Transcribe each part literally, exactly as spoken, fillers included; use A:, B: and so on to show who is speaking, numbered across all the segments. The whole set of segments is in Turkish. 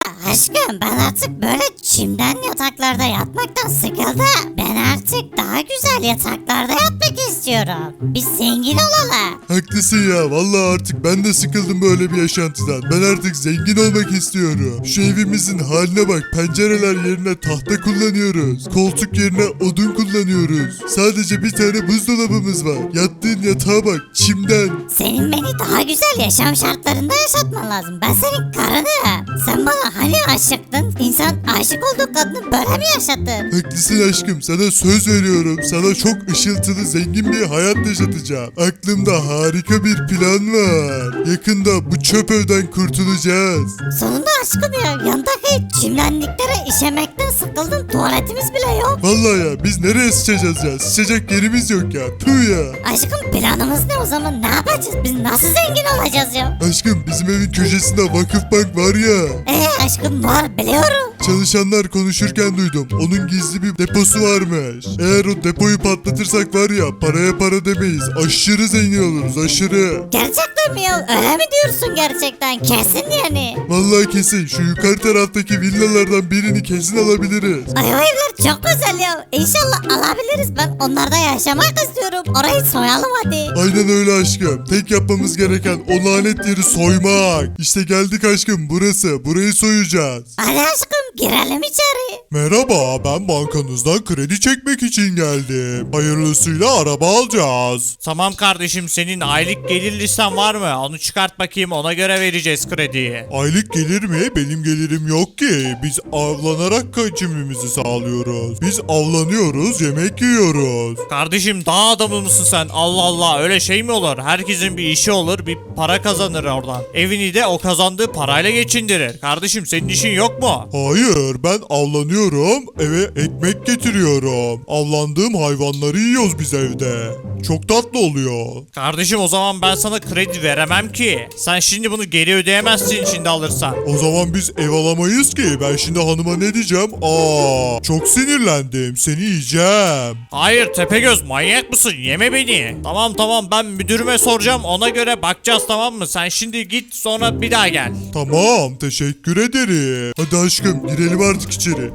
A: aşkım ben artık böyle çimden yataklarda yatmaktan sıkıldım. Ben artık daha güzel yataklarda yatmak istiyorum. Biz zengin olalım.
B: Haklısın ya, vallahi artık ben de sıkıldım böyle bir yaşantıdan. Ben artık zengin olmak istiyorum. Şu evimizin haline bak, pencereler yerine tahta kullanıyoruz. Koltuk yerine odun kullanıyoruz. Sadece bir tane buzdolabımız var. Yattığın yatağa bak, çimden.
A: Senin beni daha güzel yaşam şartlarında yaşatman lazım. Ben senin karınım. Sen bana hani aşıktın? İnsan aşık olduğu kadını böyle mi yaşattın?
B: Haklısın aşkım, sana söz veriyorum. Sana çok ışıltılı, zengin bir hayat yaşatacağım. Aklımda harika bir plan var. Yakında bu çöp evden kurtulacağız.
A: Sonunda aşkım ya. Yandaki çimlenliklere işemekten sıkıldım. Tuvaletimiz bile yok.
B: Vallahi ya, biz nereye sıçacağız ya? Sıçacak yerimiz yok ya. Tüh ya.
A: Aşkım planımız ne o zaman? Ne yapacağız? Biz nasıl zengin olacağız ya?
B: Aşkım, bizim evin köşesinde Vakıfbank var ya.
A: Ee aşkım var biliyorum.
B: Çalışanlar konuşurken duydum. Onun gizli bir deposu varmış. Eğer o depoyu patlatırsak var ya, paraya para demeyiz. Aşırı zengin oluruz, aşırı.
A: Gerçekten mi ya? Öyle mi diyorsun gerçekten? Kesin yani.
B: Vallahi kesin şu yukarı taraftaki villalardan birini kesin alabiliriz.
A: Ay o evler çok güzel ya. İnşallah alabiliriz. Ben onlarda yaşamak istiyorum. Orayı soyalım hadi.
B: Aynen öyle aşkım. Tek yapmamız gereken o lanet yeri soymak. İşte geldik aşkım, burası. Burayı soyacağız.
A: Hadi aşkım girelim içeri.
B: Merhaba, ben bankanızdan kredi çekmek için geldim. Hayırlısıyla araba alacağız.
C: Tamam kardeşim, senin aylık gelir listen var mı? Onu çıkart bakayım, ona göre vereceğiz krediyi.
B: Aylık gelir mi? Benim gelirim yok ki. Biz avlanarak geçimimizi sağlıyoruz. Biz avlanıyoruz, yemek yiyoruz.
C: Kardeşim dağ adamı mısın sen? Allah Allah, öyle şey mi olur? Herkesin bir işi olur, bir para kazanır oradan. Evini de o kazandığı parayla geçindirir. Kardeşim senin işin yok mu?
B: Hayır, ben avlanıyorum, eve ekmek getiriyorum. Avlandığım hayvanları yiyoruz biz evde. Çok tatlı oluyor.
C: Kardeşim o zaman ben sana kredi veremem ki. Sen şimdi bunu geri ödeyemezsin şimdi alırsan.
B: O zaman biz ev alamayız ki. Ben şimdi hanıma ne diyeceğim? Aa, çok sinirlendim. Seni yiyeceğim.
C: Hayır Tepegöz, manyak mısın? Yeme beni. Tamam tamam, ben müdürüme soracağım, ona göre bakacağız, tamam mı? Sen şimdi git, sonra bir daha gel.
B: Tamam, teşekkür ederim. Hadi aşkım, girelim artık içeri.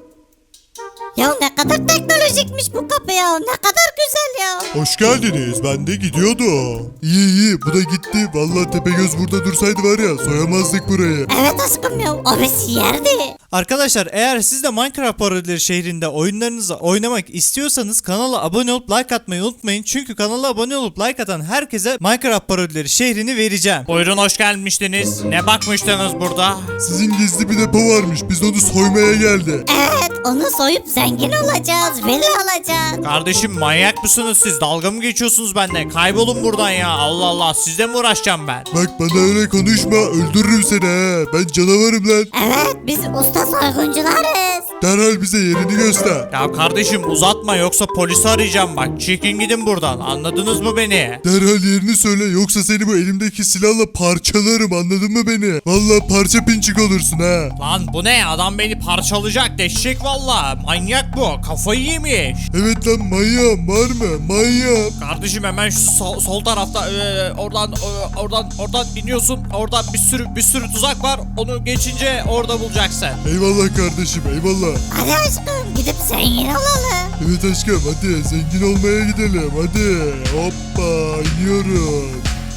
A: Ya ne kadar teknolojikmiş bu kapı ya. Ne kadar güzel ya.
B: Hoş geldiniz. Ben de gidiyordum. İyi iyi, bu da gitti. Vallahi Tepegöz burada dursaydı var ya, soyamazdık burayı.
A: Evet aşkım ya. O bizi yerdi.
D: Arkadaşlar, eğer siz de Minecraft Parodileri şehrinde oyunlarınızı oynamak istiyorsanız kanala abone olup like atmayı unutmayın. Çünkü kanala abone olup like atan herkese Minecraft Parodileri şehrini vereceğim.
C: Buyurun, hoş gelmiştiniz. Ne bakmıştınız burada?
B: Sizin gizli bir depo varmış. Biz onu soymaya geldik.
A: Evet onu soyup zengin olacağız. Villa alacağız.
C: Kardeşim manyak mısınız siz? Dalga mı geçiyorsunuz benimle? Kaybolun buradan ya. Allah Allah, sizle mi uğraşacağım ben?
B: Bak, bana öyle konuşma. Öldürürüm seni he. Ben canavarım lan.
A: Evet biz usta soyguncularız.
B: Derhal bize yerini göster.
C: Ya kardeşim uzatma, yoksa polisi arayacağım bak. Çekin gidin buradan. Anladınız mı beni?
B: Derhal yerini söyle, yoksa seni bu elimdeki silahla parçalarım, anladın mı beni? Vallahi parça pinçik olursun ha.
C: Lan bu ne? Adam beni parçalayacak. Deşecek valla. Manyak bu. Kafayı yemiş.
B: Evet lan, manyağım var mı? Manyağım.
C: Kardeşim hemen şu sol, sol tarafta e, oradan e, oradan oradan iniyorsun. Orada bir sürü bir sürü tuzak var. Onu geçince orada bulacaksın.
B: Eyvallah kardeşim, eyvallah.
A: Hadi aşkım gidip zengin olalım.
B: Evet aşkım, hadi zengin olmaya gidelim, hadi. Hoppa, iniyoruz.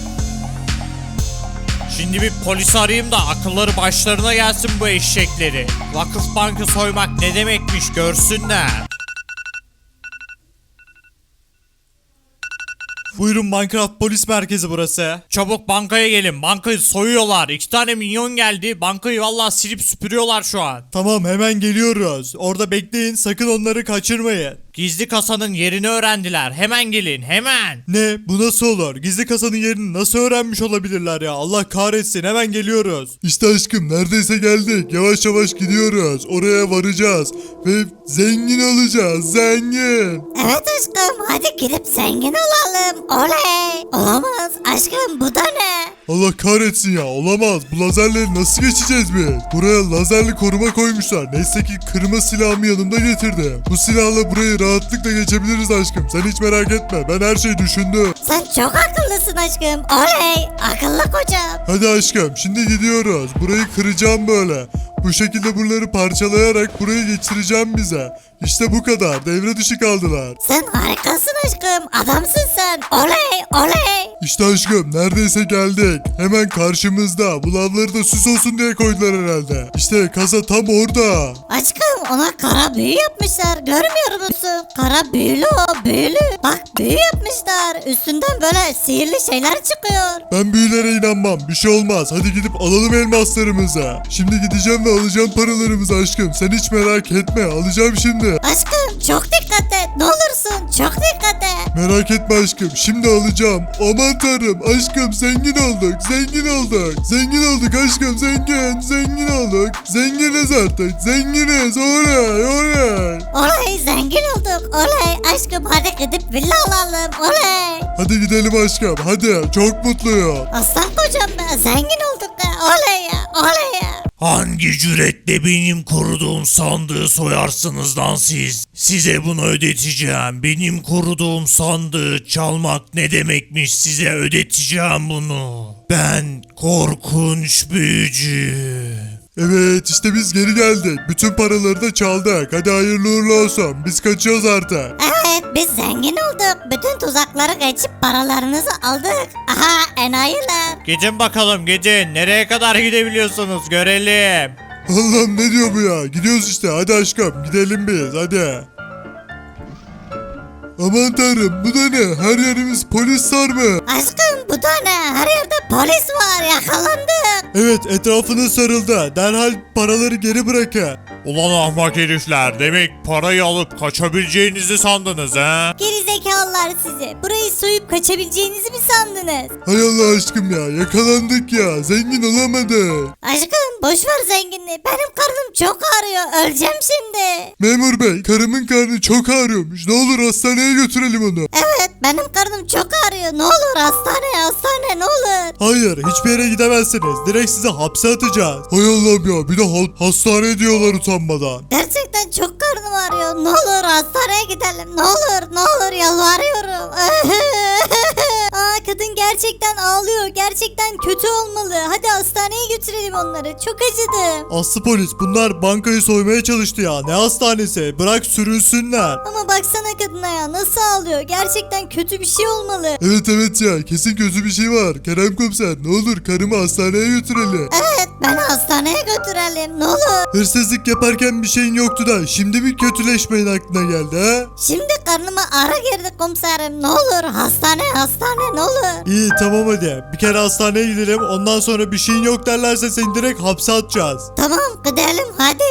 C: Şimdi bir polis arayayım da akılları başlarına gelsin bu eşekleri. Vakıf bankı soymak ne demekmiş görsünler.
D: Buyurun, Minecraft Polis Merkezi burası.
C: Çabuk bankaya gelin. Bankayı soyuyorlar. İki tane minyon geldi. Bankayı vallahi silip süpürüyorlar şu an.
D: Tamam, hemen geliyoruz. Orada bekleyin, sakın onları kaçırmayın.
C: Gizli kasanın yerini öğrendiler. Hemen gelin, hemen.
D: Ne? Bu nasıl olur? Gizli kasanın yerini nasıl öğrenmiş olabilirler ya? Allah kahretsin, hemen geliyoruz.
B: İşte aşkım, neredeyse geldik. Yavaş yavaş gidiyoruz. Oraya varacağız. Ve zengin olacağız, zengin.
A: Evet aşkım hadi gidip zengin olalım. Oley. Olamaz aşkım bu da ne?
B: Allah kahretsin ya, olamaz. Bu lazerleri nasıl geçeceğiz biz? Buraya lazerli koruma koymuşlar. Neyse ki kırma silahımı yanımda getirdim. Bu silahla burayı rahatlıkla geçebiliriz aşkım. Sen hiç merak etme, ben her şeyi düşündüm.
A: Sen çok akıllı akıllısın aşkım. Oley akıllı kocam.
B: Hadi aşkım şimdi gidiyoruz. Burayı kıracağım böyle. Bu şekilde buraları parçalayarak burayı geçireceğim bize. İşte bu kadar. Devre dışı kaldılar.
A: Sen harikasın aşkım. Adamsın sen. Oley oley.
B: İşte aşkım neredeyse geldik. Hemen karşımızda. Bu lavları da süs olsun diye koydular herhalde. İşte kasa tam orada.
A: Aşkım ona kara büyü yapmışlar. Görmüyor musun? Kara büyülü o büyülü. Bak büyü yapmışlar. Üstünden böyle sihirli şeyler çıkıyor.
B: Ben büyülere inanmam. Bir şey olmaz. Hadi gidip alalım elmaslarımızı. Şimdi gideceğim ve alacağım paralarımızı aşkım. Sen hiç merak etme. Alacağım şimdi.
A: Aşkım çok dikkat et. Ne olursun çok dikkat et.
B: Merak etme aşkım. Şimdi alacağım. Aman tanrım. Aşkım zengin olduk. Zengin olduk. Zengin olduk aşkım. Zengin. Zengin olduk. Zenginiz artık. Zenginiz. Oley. Oley.
A: Oley zengin olduk. Oley aşkım hadi gidip villa alalım. Oley.
B: Hadi gidelim aşkım. Hadi. Çok mutluyum.
A: Aslan kocam be zengin olduk be. Oley ya. Oley ya.
C: Hangi cüretle benim koruduğum sandığı soyarsınız lan siz? Size bunu ödeteceğim. Benim koruduğum sandığı çalmak ne demekmiş, size ödeteceğim bunu. Ben korkunç büyücü.
B: Evet işte biz geri geldik. Bütün paraları da çaldık. Hadi hayırlı uğurlu olsun. Biz kaçıyoruz artık.
A: Evet biz zengin olduk. Bütün tuzakları geçip paralarınızı aldık. Aha enayiler.
C: Gidin bakalım gidin. Nereye kadar gidebiliyorsunuz görelim.
B: Allah'ım ne diyor bu ya? Gidiyoruz işte. Hadi aşkım gidelim biz. Hadi. Aman tanrım bu da ne? Her yerimiz polis sarmış.
A: Aşkım bu da ne? Her yerde polis var yakalandık.
B: Evet etrafını sarıldı. Derhal paraları geri bırakın.
C: Ulan ahmak herifler. Demek parayı alıp kaçabileceğinizi sandınız ha?
A: Gerizekalılar sizi. Burayı soyup kaçabileceğinizi mi sandınız?
B: Hay Allah aşkım ya yakalandık ya. Zengin olamadık.
A: Aşkım boş ver zenginliği. Benim karnım çok ağrıyor. Öleceğim şimdi.
B: Memur bey karımın karnı çok ağrıyormuş. Ne olur hastaneye götürelim onu.
A: Evet benim karnım çok ağrıyor. Ne olur hastane hastane ne olur.
B: Hayır hiçbir yere gidemezsiniz. Direkt sizi hapse atacağız. Hay Allah'ım ya bir de ha- hastane diyorlar utanmadan.
A: Gerçekten çok karnım ağrıyor. Ne olur hastaneye gidelim. Ne olur ne olur yalvarıyorum. Aa kadın gerçekten ağlıyor. Gerçekten kötü olmalı. Hadi hastaneye götürelim onları. Çok acıdım.
B: Aslı polis bunlar bankayı soymaya çalıştı ya. Ne hastanesi? Bırak sürünsünler.
A: Ama baksana kadına ya nasıl ağlıyor. Gerçekten kötü bir şey olmalı.
B: Evet evet ya kesin kötü bir şey var. Kerem komiser ne olur karımı hastaneye götürelim.
A: Evet beni hastaneye götürelim. Ne olur.
B: Hırsızlık yaparken bir şeyin yoktu da şimdi bir kötüleşmeyin aklına geldi ha?
A: Şimdi karnıma ara girdi komiserim. Ne olur hastane hastane ne olur.
B: İyi tamam hadi. Bir kere hastaneye gidelim ondan sonra bir şeyin yok derlerse seni direkt hapse atacağız.
A: Tamam gidelim hadi.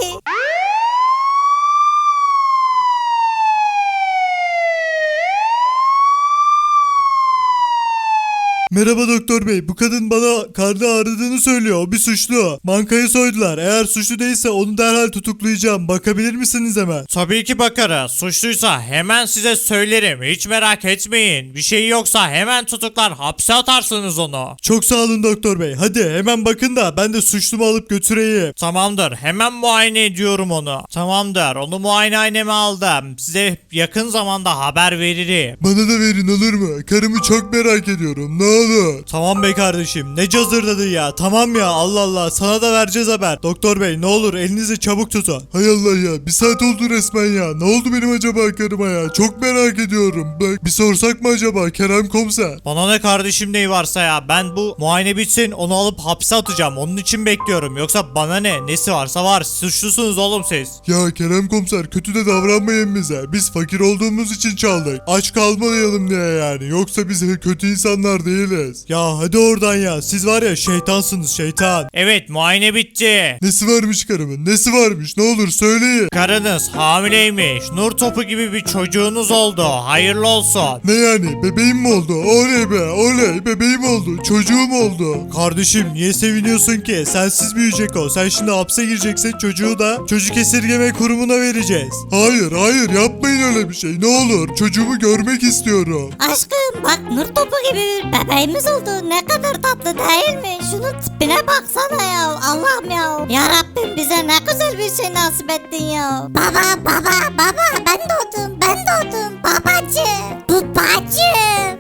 B: Merhaba doktor bey. Bu kadın bana karnı ağrıdığını söylüyor. O bir suçlu. Bankayı soydular. Eğer suçlu değilse onu derhal tutuklayacağım. Bakabilir misiniz hemen?
C: Tabii ki bakarız. Suçluysa hemen size söylerim. Hiç merak etmeyin. Bir şey yoksa hemen tutuklar hapse atarsınız onu.
B: Çok sağ olun doktor bey. Hadi hemen bakın da ben de suçlumu alıp götüreyim.
C: Tamamdır. Hemen muayene ediyorum onu. Tamamdır. Onu muayenehaneme aldım. Size yakın zamanda haber veririm.
B: Bana da verin olur mu? Karımı çok merak ediyorum. Ne olur.
D: Tamam be kardeşim ne cazırdadı ya. Tamam ya Allah Allah sana da vereceğiz haber. Doktor bey ne olur elinizi çabuk tutun.
B: Hay Allah ya. Bir saat oldu resmen ya. Ne oldu benim acaba karıma ya? Çok merak ediyorum. Bak bir sorsak mı acaba Kerem komiser?
C: Bana ne kardeşim neyi varsa ya. Ben bu muayene bitsin onu alıp hapse atacağım. Onun için bekliyorum. Yoksa bana ne? Nesi varsa var. Suçlusunuz oğlum siz.
B: Ya Kerem komiser kötü de davranmayın bize. Biz fakir olduğumuz için çaldık. Aç kalmayalım diye yani. Yoksa biz kötü insanlar değiliz.
D: Ya hadi oradan ya siz var ya şeytansınız şeytan.
C: Evet muayene bitti.
B: Nesi varmış karımın? Nesi varmış? Ne olur söyleyin.
C: Karınız hamileymiş. Nur topu gibi bir çocuğunuz oldu. Hayırlı olsun.
B: Ne yani? Bebeğim mi oldu? Oley be oley bebeğim oldu. Çocuğum oldu.
D: Kardeşim niye seviniyorsun ki? Sensiz büyüyecek o. Sen şimdi hapse gireceksin çocuğu da çocuk esirgeme kurumuna vereceğiz.
B: Hayır hayır yapmayın öyle bir şey. Ne olur çocuğumu görmek istiyorum.
A: Aşkım bak nur topu gibi bir bebeğimiz oldu. Ne kadar tatlı değil mi? Şunun tipine baksana ya. Allah'ım ya. Ya Rabbim bize ne güzel bir şey nasip ettin ya. Baba baba baba ben doğdum ben doğdum babacığım babacığım.
B: Oğlum be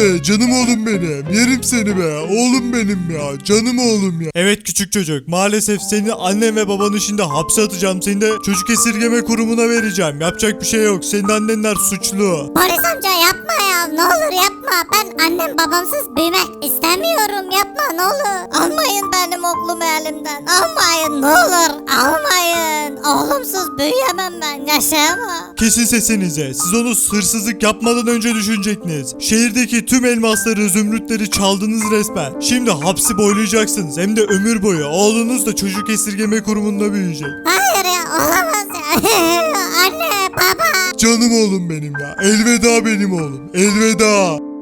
B: be canım oğlum benim. Yerim seni be oğlum benim ya. Canım oğlum ya.
D: Evet küçük çocuk, maalesef seni annen ve babanı şimdi hapse atacağım. Seni de çocuk esirgeme kurumuna vereceğim. Yapacak bir şey yok. Senin annenler suçlu.
A: Polis amca yapma ya, ne olur yapma. Ben annem babamsız büyümek istemiyorum, yapma ne olur. Almayın benim oğlumu elimden, almayın ne olur, almayın. Oğlumsuz büyüyemem ben, yaşayamam.
D: Kesin sesinize. Siz onu hırsızlık yapmadan önce düşünecektiniz. Şehirdeki tüm elmasları, zümrütleri çaldınız resmen. Şimdi hapsi boylayacaksınız. Hem de ömür boyu. Oğlunuz da çocuk esirgeme kurumunda büyüyecek.
A: Hayır ya, olamaz ya. Anne, baba.
B: Canım oğlum benim ya. Elveda benim oğlum. Elveda.